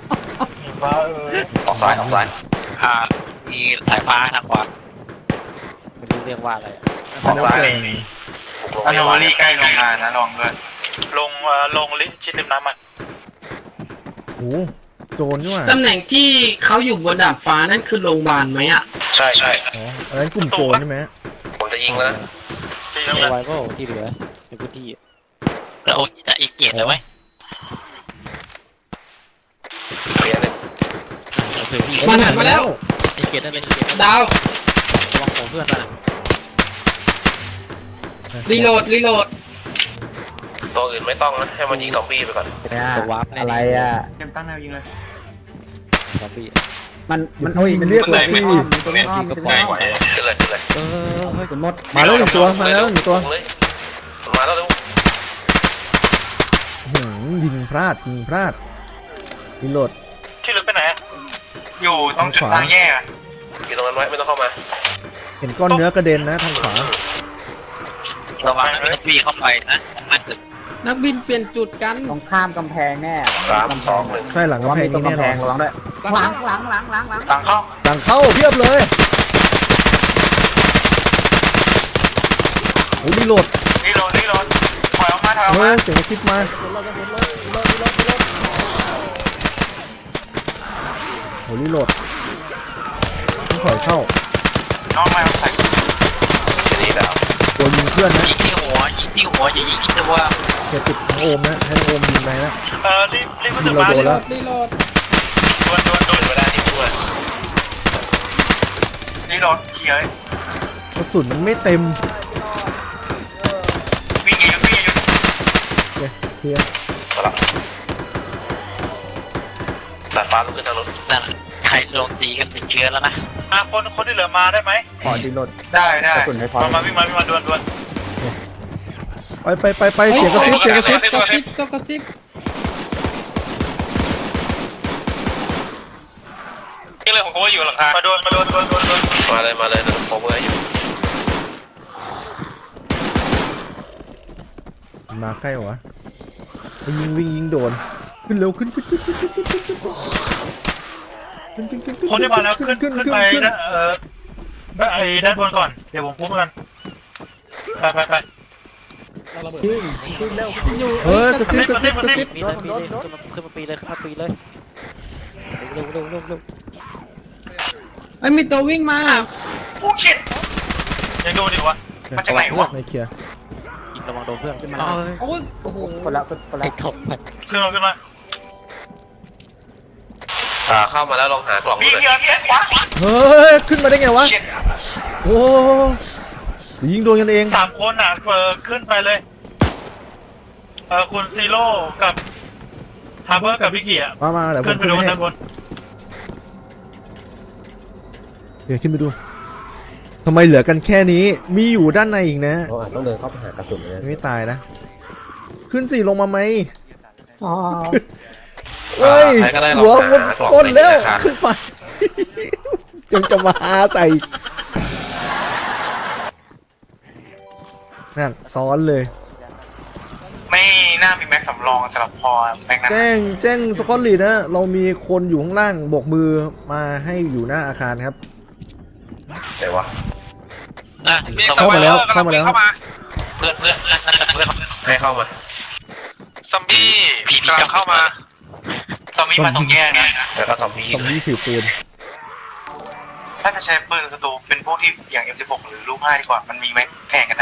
Speaker 3: ออกซ้ายออกซ้าย
Speaker 7: อ่ามีสายฟ้าทางขวา
Speaker 5: ไม่รู้เรียกว่าอะไร
Speaker 3: ออกซ้าย
Speaker 4: อันนี้ใกล้โรงงานนะลองด้วยลงเอ่อลงลิ้นชิดริมน้ำมัน
Speaker 1: โอ้โจรนี่หว่า
Speaker 5: ตำแหน่งที่เขาอยู่บนดาดฟ้านั่นคือโรงพยาบาลไหมอ่ะ
Speaker 3: ใช่ใช่
Speaker 1: อ๋ออันนั้นกลุ่มโจรใช่ไหม
Speaker 3: ผมจะยิงแล้ว
Speaker 4: ที่
Speaker 5: เอ
Speaker 4: น้ำมัน
Speaker 5: ไวก็ที่เหลือในพื้นที่
Speaker 7: แล้วโอ้จะอีกเกียรเลยไหม
Speaker 3: เคลียร์เลย
Speaker 5: โอเคพี่
Speaker 1: มันหันมาแล้ว
Speaker 5: ไอเกียรนั่นเลยไอเกียรดาวระวังของเพื่อนมารีโหลดรีโหลด
Speaker 3: ตัวอื่นไม่ต้องนะให้มันยิงซอมบี้ไปก่อน
Speaker 2: เนี่ย
Speaker 5: ตัววาร์ปแน่
Speaker 2: อะไรอ่ะ
Speaker 8: เตรียมตั้งแนวยิงเลย
Speaker 5: ซอมบี้
Speaker 2: มันมัน
Speaker 1: ยิงเรียกเลยสิ
Speaker 2: ตัวนี้อ้อมตัวนี้อ้อม
Speaker 3: ขึ้นเลยขึ้นเลย
Speaker 5: เออเฮ้ย
Speaker 2: คุณมด
Speaker 1: มาแล้วหนึ่งตัวมาแล้วหนึ่งตัว
Speaker 3: เลยมาแล้วเร็ว
Speaker 1: หืมยิงพลาดยิงพลาดรีโหลด
Speaker 4: ที่ลึกไปไหนอยู่ตรงจุดทางแยก
Speaker 3: อยู่ตรงนั้นไว้ไม่ต้องเข้ามา
Speaker 1: เห็นก้อนเนื้อกระเด็นนะทางขวา
Speaker 7: ระวังนะมีเข้าไปนะมันตึก
Speaker 5: นักบินเปลี่ยนจุดกัน
Speaker 2: ตรงข้ามกำแพงแน่
Speaker 3: สามสองหนึ่ง
Speaker 1: ใช่หลังกำแพง
Speaker 2: ตร
Speaker 1: นี้
Speaker 2: ง
Speaker 1: แน่
Speaker 2: กำ
Speaker 1: น
Speaker 2: แพ
Speaker 1: อน
Speaker 2: งระวังด้วยหลังหลังหลังหลังหลัง
Speaker 4: ทางเข้า
Speaker 1: ต่างเข้าเพียบเลยโอ้รีโหลด
Speaker 4: นี่โดนนี่โดนถอยออกมาถอยออก
Speaker 1: เฮ้
Speaker 4: มาย
Speaker 1: เสียงกระซิบมาโอ้รีโหลดต้องถอยเข้า
Speaker 4: น้องมาใส่
Speaker 3: ทีนี้แบบ
Speaker 1: ตัวยิงเพื่อนนะ
Speaker 7: ยิงที่หัวยิงที่หัวอย่ายิงที่ตัว
Speaker 1: เจะติดโอมนะให้โอมยิงไปนะ
Speaker 4: เออรีบรีบ
Speaker 1: ยิงเราโดนแล้ว
Speaker 5: รีโหลด
Speaker 4: ดวนดวนดวน
Speaker 3: เวลาที่ด้วย
Speaker 4: นี่โดนเคลียร์
Speaker 1: กระสุนมันไม่เต็ม
Speaker 4: วิ่งหนีวิ่งหนี
Speaker 1: โอเคเคลียร์
Speaker 3: มาละตัดฟ้าลุกขึ้นทางรถ
Speaker 7: นั่นใครโดนตีกันติดเชื้อแล้วนะ
Speaker 4: อ่ะคนคนที่เหลือมาได้ไหม
Speaker 2: ขอดีโหลด
Speaker 4: ได้ได้
Speaker 2: กระสุนไม่พอ
Speaker 4: มามาวิ่งมาวิ่งมาดวนดวน
Speaker 1: ไปไปไปไปเสียงกระซิบเสียงกระซิบ
Speaker 5: กระซิบก็กระซิบ
Speaker 4: นี่เลยผมก็ว่าอยู่หลังคามาดวนมาดวนดวนดวนดวน
Speaker 3: มาเลยมาเลยเดี๋ยวผมเบอร์อยู่
Speaker 1: มาใกล้เหรอวะยิงวิ่งยิงโดนขึ้นเร็วขึ้นขึ้นขึ้นขึ้นขึ้นขึ้นขึ้นขึ้นขึ้นขึ้นขึ้น
Speaker 4: คนที่มาแล้วขึ้นขึ้นไปนะเออ
Speaker 8: ไอ้ด้านบนก่อนเดี๋ยวผมคุ้มกันไปไปไป
Speaker 6: เราระเบิด
Speaker 1: เออกระซิบกระซิบกระซิบ
Speaker 5: ปีเลยปีเลยขึ้นมาปีเลยขึ้นมาปีเลยเร็วเร็วเร็วเร็วไอ้มีตัววิ่งมา
Speaker 8: โอ้ชิตยังดูดิวะ มันจะไหนวะ
Speaker 1: ไม่เคลียร์
Speaker 5: ยิงระวังโดนเพื่อนขึ้นมา
Speaker 2: โอ้ยโอ้โหคนละคนละ
Speaker 5: ไอ้ถกมัน
Speaker 8: ขึ้นมาขึ้นมา
Speaker 3: อ่าเข้ามาแล้วลองหากล่องดู
Speaker 8: พี่
Speaker 3: เลย
Speaker 8: เพียร์พี่ขวา
Speaker 1: เฮ้ยขึ้นมาได้ไงวะโอ้ยิงโดนกันเอง
Speaker 8: สามคนอ่ะเออขึ้นไปเลยเออคุณซีโร่กับฮาร์เบอร์กับพี่เกียร์
Speaker 1: มามาเดี๋ยวผ
Speaker 8: ขึ้น
Speaker 1: ม
Speaker 8: ไป
Speaker 1: ขึ้น
Speaker 8: ดู
Speaker 1: ไปให้
Speaker 8: ด้านบน
Speaker 1: เดี๋ยวขึ้นไปดูทำไมเหลือกันแค่นี้มีอยู่ด้านในอีกนะ
Speaker 3: เราอาจต้องเดินเข้าไปหากระสุนเลย
Speaker 1: ไม่ตายนะ ขึ้นสี่ลงมาไหม
Speaker 5: อ๋อ
Speaker 1: เฮ้ย
Speaker 3: ใครก็ได้ลอง
Speaker 1: หัว
Speaker 3: หา
Speaker 1: บน
Speaker 3: กล่อง
Speaker 1: ก้นแล้ว
Speaker 3: ในธนาคาร
Speaker 1: ขึ้นไป ยังจะมาหาใส่นั่นซ้อนเลย
Speaker 8: ไม่น่ามีแม็กสำรองสำหรับพอแม็กนะ
Speaker 1: แจ้งแจ้งสกอตลีนะ เรามีคนอยู่ข้างล่างโบกมือมาให้อยู่หน้าอาคารครับ
Speaker 3: ไหนวะ
Speaker 7: อ่ะ
Speaker 1: เข้ามาแล้วเข้ามาแล้ว
Speaker 7: เพื่อนเพื่อนเพื่อน
Speaker 3: ให้เข้ามา
Speaker 7: ซอมบี้ผีกำลังเข้ามา
Speaker 8: ตอนนี้มาตรงแยกนะ
Speaker 3: แล้วก็ซอมบี้
Speaker 1: ตรงนี้ถือปืน
Speaker 8: ถ้าจะใช้ปืนศัตรูเป็นพวกที่อย่าง เอ็ม สิบหก หรือลูกห้าดีกว่ามันมีแม็กแข่งกันได้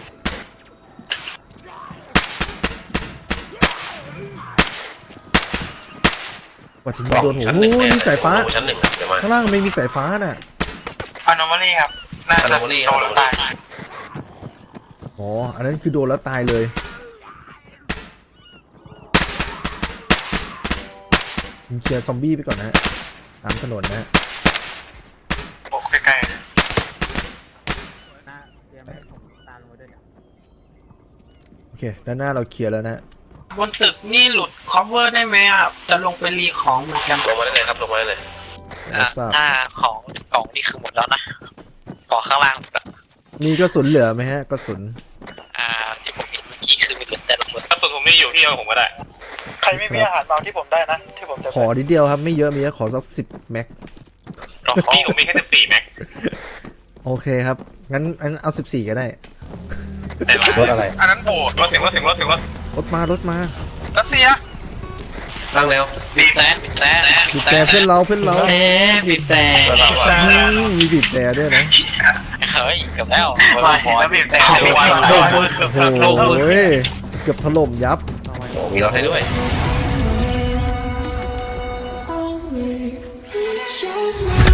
Speaker 1: ว่าจะยิงโดนหัวโอ้ยมีสายฟ้า
Speaker 3: ชั้นหนึ่งเดี๋ยวมา
Speaker 1: ข้างล่างไม่มีสายฟ้าน่ะ
Speaker 8: อานอมาลี่ครับ น่าจะ
Speaker 3: Anomaly
Speaker 8: โดนแล้วตาย
Speaker 1: อ๋อ อันนั้นคือโดนแล้วตายเลยยิงเคลียร์ซอมบี้ไปก่อนนะฮะตามถนนนะฮะ
Speaker 8: โอ้ใกล้
Speaker 1: โอเค ด้านหน้าเราเคลียร์แล้วนะฮะ
Speaker 5: บนตึกนี่หลุด cover ได้ไหมอ่ะจะลงไปรีของเหมือนกัน
Speaker 3: ลงมาได้เลยครับลงมาได้เลย
Speaker 1: รับทราบ
Speaker 7: หน้าของกล่องนี่คือหมดแล้วนะกล่องข้างล่าง
Speaker 1: มีกระสุนเหลือไหมฮะกระสุน
Speaker 7: อ่าที่ผมเห็นเมื่อกี้คือมีเหลือแต่ละหมด
Speaker 4: ถ้าตัวผมไม่อยู่ที่เอาผมก็ได้
Speaker 8: ๆ ใครไม่มีอาหารเบาที่ผมได้นะ ที่ผมจะ
Speaker 1: ขอนิดเดียวครับไม่เยอะมีแค่ขอสักสิบแม็ก
Speaker 4: นี่ผมมีแค่สิบสี่แม็ก
Speaker 1: โอเคครับ งั้นงั้นเอาสิบสี่ก็ได้
Speaker 4: แต่ละ
Speaker 3: รถอะไร
Speaker 4: อันนั้นโบดรถถึงรถถึงรถถึงรถ
Speaker 1: รถมารถมา
Speaker 4: รัสเซีย
Speaker 3: ตั้งแล้ว
Speaker 7: บีบแต่บีบแต่
Speaker 1: บีบแต่เพื่อนเราเพื่อนเรา
Speaker 5: แหมบีบแต่
Speaker 3: เพื่อนเราอะ
Speaker 1: อืมมีบีบแต่ด้วยนะ
Speaker 7: เฮ้ยเกือบแล้ว
Speaker 8: มาแล้วบีบแต่
Speaker 7: เดี๋ยววัน
Speaker 8: โดน
Speaker 1: โอ้โหเกือบถล่มยับ
Speaker 3: โอ้มีรถให้ด้วย
Speaker 9: Only it's your